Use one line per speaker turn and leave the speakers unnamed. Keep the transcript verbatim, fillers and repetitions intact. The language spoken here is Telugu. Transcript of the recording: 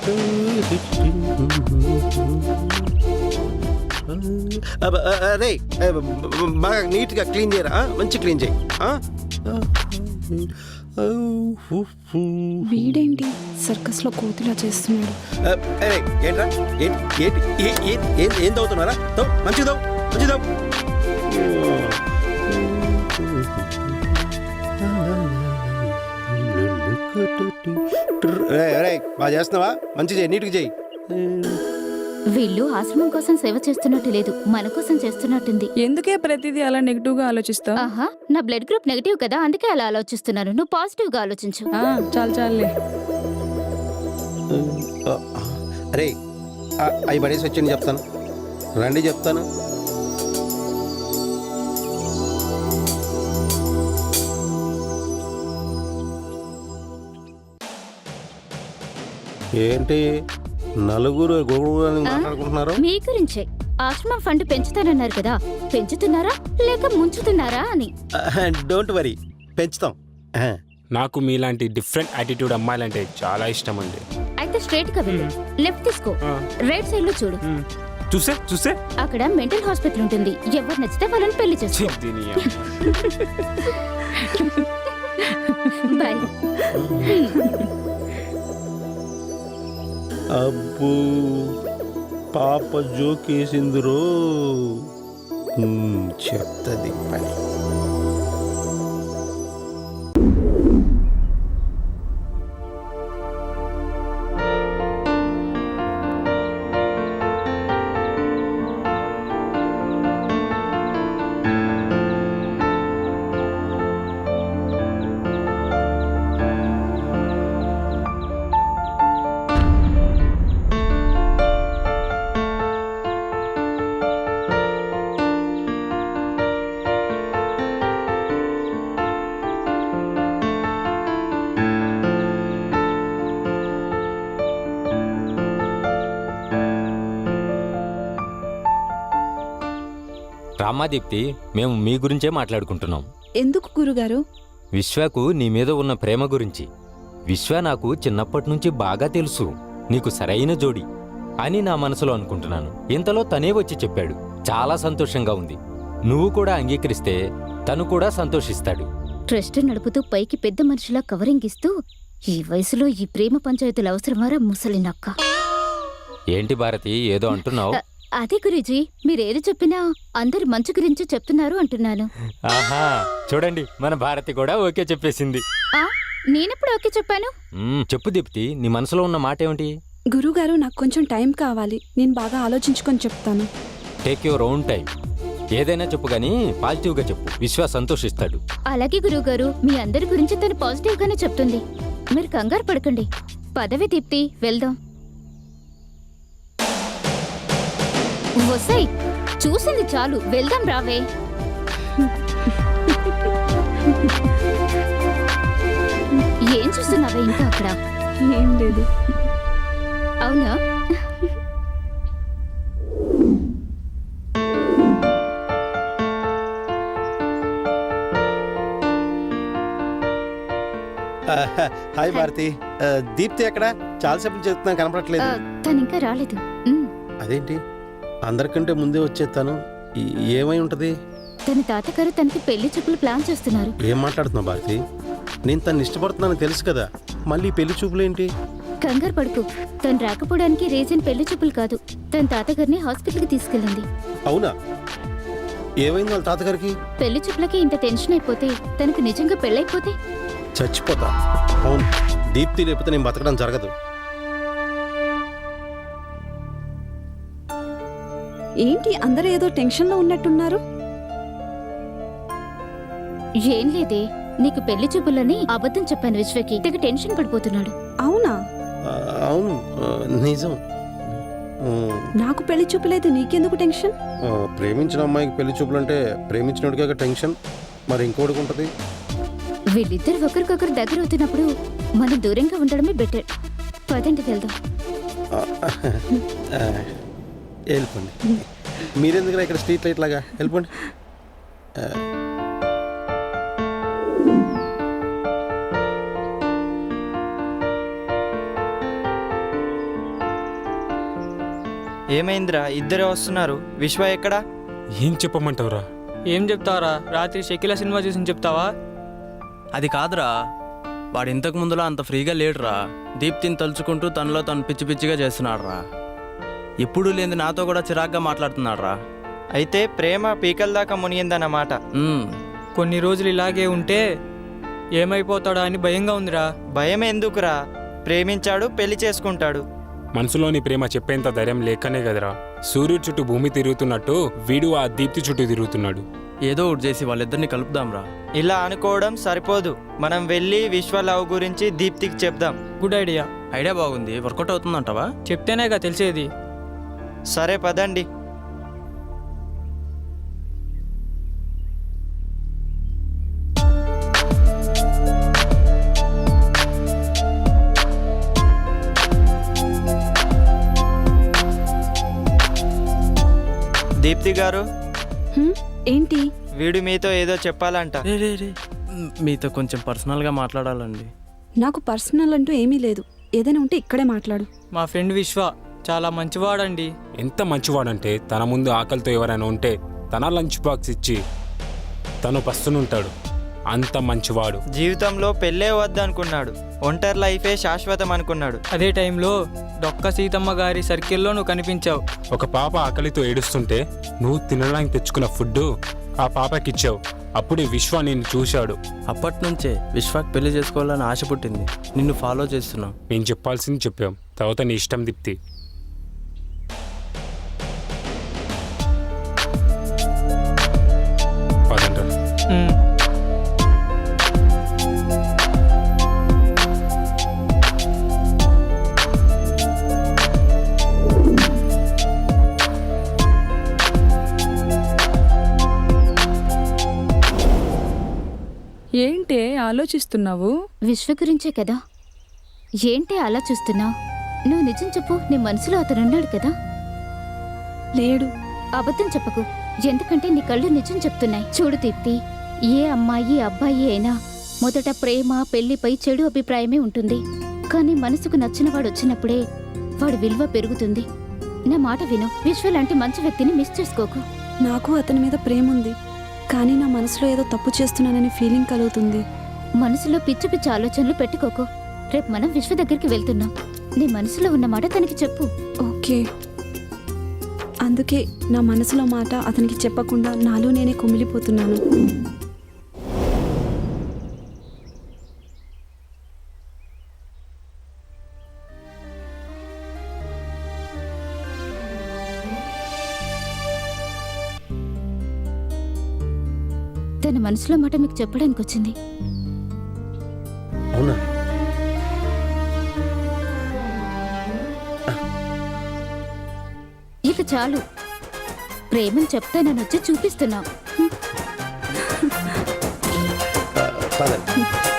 అరే బాగా నీట్గా క్లీన్ చేయరా, మంచి క్లీన్ చేయి.
వీడేంటి సర్కస్ లో కోతిలా చేస్తున్నాడు?
అరే ఏంట్రా, ఏంటి ఏంటి ఏం ఏం తవ్వుతున్నారా? తవ్వు, మంచిగా తవ్వు, మంచిగా తవ్వు. బాగా చేస్తున్నావా? మంచి చేయి, నీట్గా చేయి.
వీళ్ళు ఆశ్రమం కోసం సేవ చేస్తున్నట్టు లేదు, మన కోసం చేస్తున్నట్టుంది.
ఎందుకే ప్రతిదీ అలా నెగిటివ్ గా ఆలోచిస్తావు?
ఆహా, నా బ్లడ్ గ్రూప్ నెగిటివ్ కదా, అందుకే అలా ఆలోచిస్తున్నాను. నువ్వు పాజిటివ్ గా ఆలోచించు.
చాలు చాలులే.
అరే అవి పడేసి వచ్చి చెప్తాను, రండి చెప్తాను. ఏంటి నలుగురు గొడవ మాట్లాడుకుంటున్నారు?
మీ గురించే. ఆశ్రమం ఫండ్ పెంచుతానన్నారు కదా, పెంచుతున్నారా లేక ముంచుతున్నారా అని.
డోంట్ వరీ, పెంచుతాం.
నాకు మీలాంటి డిఫరెంట్ యాటిట్యూడ్ అమ్మాయిలంటే చాలా ఇష్టం అండి.
అయితే స్ట్రైట్ గా వెళ్ళు, లెఫ్ట్ తీసుకో, రైట్ సైడ్ లో చూడు.
చూసే చూసే
అక్కడ మెంటల్ హాస్పిటల్ ఉంటుంది, ఎవరు నచ్చితే వాళ్ళని పెళ్లి చేసుకో. బాయ్.
అబ్బో పాప జోకేసిందిరో, చెప్తుంది పని.
రామాదీప్తి, మేము మీ గురించే మాట్లాడుకుంటున్నాం.
ఎందుకు గురుగారు?
విశ్వకు నీ మీద ఉన్న ప్రేమ గురించి. విశ్వ నాకు చిన్నప్పటి నుంచి బాగా తెలుసు, నీకు సరైన జోడి అని నా మనసులో అనుకుంటున్నాను. ఇంతలో తనే వచ్చి చెప్పాడు. చాలా సంతోషంగా ఉంది. నువ్వు కూడా అంగీకరిస్తే తను కూడా సంతోషిస్తాడు.
ట్రస్ట్ నడుపుతూ పైకి పెద్ద మనిషిలా కవరింగ్ ఇస్తూ, ఈ వయసులో ఈ ప్రేమ పంచాయతీలు అవసరమారా ముసలి నక్క?
ఏంటి భారతి, ఏదో అంటున్నావు?
అదే గురూజీ, మీరేది చెప్పినా అందరి మంచి గురించి చెప్తున్నారు అంటున్నాను.
ఆహా, చూడండి మన భారతి కూడా ఓకే చెప్పేసింది.
ఆ నేనెప్పుడు ఓకే చెప్పాను?
చెప్పు దీప్తి, నీ మనసులో ఉన్న మాట ఏమిటి?
గురుగారు, నాకు కొంచెం టైం కావాలి, నేను బాగా ఆలోచించుకొని చెప్తాను.
Take your own time. ఏదైనా చెప్పు గానీ పాజిటివ్ గా చెప్పు, విశ్వ సంతోషిస్తాడు.
అలాగే గురువుగారు, మీ అందరి గురించి తను పాజిటివ్ గానే చెప్తుంది, మీరు కంగారు పడకండి. పదవి దీప్తి, వెళ్దాం. వసై, చూసింది చాలు, వెళ్దాం రావే. ఏం చూస్తున్నావే ఇంకా అక్కడ?
ఏం లేదు.
అవునా?
హాయ్ భారతి, దీప్తి ఎక్కడ? చాలాసేపు చెప్తున్నాను, కనపడట్లేదు.
తను ఇంకా రాలేదు.
అదేంటి అందరికంటే ముందే వచ్చేస్తాను, ఏమై ఉంటది?
తన తాతగారు తనకి పెళ్లి చూపులు ప్లాన్ చేస్తున్నారు.
ఏం మాట్లాడుతున్నావు భారతి? నేను తను ఇష్టపడుతున్నాను తెలుసు కదా, మళ్ళీ పెళ్లి చూపులేంటి?
కంగారు పడుకు, తను రాకపోవడానికి రీజన్ పెళ్లి చూపులు కాదు, తన తాతగారిని హాస్పిటల్కి తీసుకెళ్ళింది.
అవునా? ఏమైంది వాళ్ళ తాతగారికి?
పెళ్లి చూపులకి ఇంత టెన్షన్ అయిపోతే తనకు నిజంగా పెళ్ళైపోతే
చచ్చిపోతా. అవును, దీప్తి లేకపోతే నేను బతకడం జరగదు.
ఏంటి అందరూ ఏదో టెన్షన్ లో ఉన్నట్టున్నారు?
ఏం లేదే, నీకు పెళ్లి చూపులని అబద్ధం చెప్పాను విశ్వకి, తెగ టెన్షన్ పడిపోతున్నాడు.
అవునా?
అవును నిజం.
నాకు పెళ్లి చూపులేదు, నీకెందుకు టెన్షన్?
ప్రేమించిన అమ్మాయికి పెళ్లి చూపులు అంటే ప్రేమించినోడికే టెన్షన్, మరి ఇంకోటికి ఉంటది.
వీళ్ళిద్దరు ఒకరికొకరు దగ్గర అవుతున్నప్పుడు మనం దూరంగా ఉండడమే బెటర్. పదండి వెళ్దాం.
వెళ్ళిపోండి. మీరెందుకు ఇక్కడ స్ట్రీట్ లైట్ లాగా వెళ్ళిపోండి.
ఏమైందిరా ఇద్దరే వస్తున్నారు? విశ్వ ఎక్కడా?
ఏం చెప్పమంటావురా?
ఏం చెప్తావరా? రాత్రి షకీలా సినిమా చూసి చెప్తావా?
అది కాదురా, వాడు ఇంతకు ముందులో అంత ఫ్రీగా లేడురా. దీప్తిని తలుచుకుంటూ తనలో తను పిచ్చి పిచ్చిగా చేస్తున్నాడు రా. ఎప్పుడూ లేని నాతో కూడా చిరాగ్గా మాట్లాడుతున్నాడు రా.
అయితే ప్రేమ పీకల దాకా మునిగిందన్నమాట.
కొన్ని రోజులు ఇలాగే ఉంటే ఏమైపోతాడా అని భయంగా ఉందిరా.
భయం ఎందుకురా? ప్రేమించాడు, పెళ్లి చేసుకుంటాడు.
మనసులోని ప్రేమ చెప్పేంత ధైర్యం లేకనే కదరా సూర్యుడు చుట్టూ భూమి తిరుగుతున్నట్టు వీడు ఆ దీప్తి చుట్టూ తిరుగుతున్నాడు.
ఏదో ఒకటి చేసి వాళ్ళిద్దరిని కలుపుదాంరా.
ఇలా అనుకోవడం సరిపోదు. మనం వెళ్ళి విశ్వ లవ్ గురించి దీప్తికి చెప్దాం.
Good idea.
ఐడియా బాగుంది. వర్కౌట్ అవుతుందంటావా?
చెప్తేనేగా తెలిసేది.
సరే పదండి. దీప్తి గారు,
హ్మ్, ఏంటి?
వీడు మీతో ఏదో చెప్పాలంట.
రే రే రే మీతో కొంచెం పర్సనల్గా మాట్లాడాలండి.
నాకు పర్సనల్ అంటూ ఏమీ లేదు. ఏదైనా ఉంటే ఇక్కడే మాట్లాడు.
మా ఫ్రెండ్ విశ్వ చాలా మంచివాడండి.
ఎంత మంచివాడంటే తన ముందు ఆకలితో ఎవరైనా ఉంటే తన లంచ్ బాక్స్ ఇచ్చి తను పస్తునుంటాడు. అంత మంచివాడు.
జీవితంలో పెళ్ళే వద్దనుకున్నాడు. ఒంటరి లైఫే శాశ్వతం అనుకున్నాడు.
అదే టైంలో డొక్క సీతమ్మ గారి సర్కిల్లో నువ్వు కనిపించావు.
ఒక పాప ఆకలితో ఏడుస్తుంటే నువ్వు తినడానికి తెచ్చుకున్న ఫుడ్ ఆ పాపకిచ్చావు. అప్పుడే విశ్వ నిన్ను చూశాడు.
అప్పటి నుంచే విశ్వాక్ పెళ్లి చేసుకోవాలని ఆశ పుట్టింది. నిన్ను ఫాలో చేస్తున్నాం.
మేము చెప్పాల్సింది చెప్పాం. తర్వాత నీ ఇష్టం దీప్తి. పదండ్రా.
హ్మ్.
ఏంటే ఆలోచిస్తున్నావు?
విశ్వ గురించే కదా. ఏంటి అలా చూస్తున్నావు? నువ్వు నిజం చెప్పు. నీ మనసులో అతనున్నాడు కదా?
లేడు.
అబద్ధం చెప్పకు, ఎందుకంటే నీ కళ్ళు నిజం చెప్తున్నాయి. చూడు దీప్తి, ఏ అమ్మాయి అబ్బాయి అయినా మొదట ప్రేమ పెళ్లిపై చెడు అభిప్రాయమే ఉంటుంది. కానీ మనసుకు నచ్చిన వాడు వచ్చినప్పుడే వాడి విలువ పెరుగుతుంది. నా మాట విను. విశ్వ లాంటి మంచి వ్యక్తిని మిస్ చేసుకోకు.
నాకు అతని మీద ప్రేమ ఉంది, కానీ నా మనసులో ఏదో తప్పు చేస్తున్నానని ఫీలింగ్ కలుగుతుంది.
మనసులో పిచ్చి పిచ్చి ఆలోచనలు పెట్టుకోకు. రేపు మనం విశ్వ దగ్గరికి వెళ్తున్నాం. నీ మనసులో ఉన్న మాట తనకి చెప్పు.
ఓకే. అందుకే నా మనసులో మాట అతనికి చెప్పకుండా నాలో నేనే కుమిలిపోతున్నాను.
తన మనసులో మాట మీకు చెప్పడానికి వచ్చింది.
అవునా?
ఇక చాలు. ప్రేమను చెప్తానని వచ్చి చూపిస్తున్నావు.
పదండి.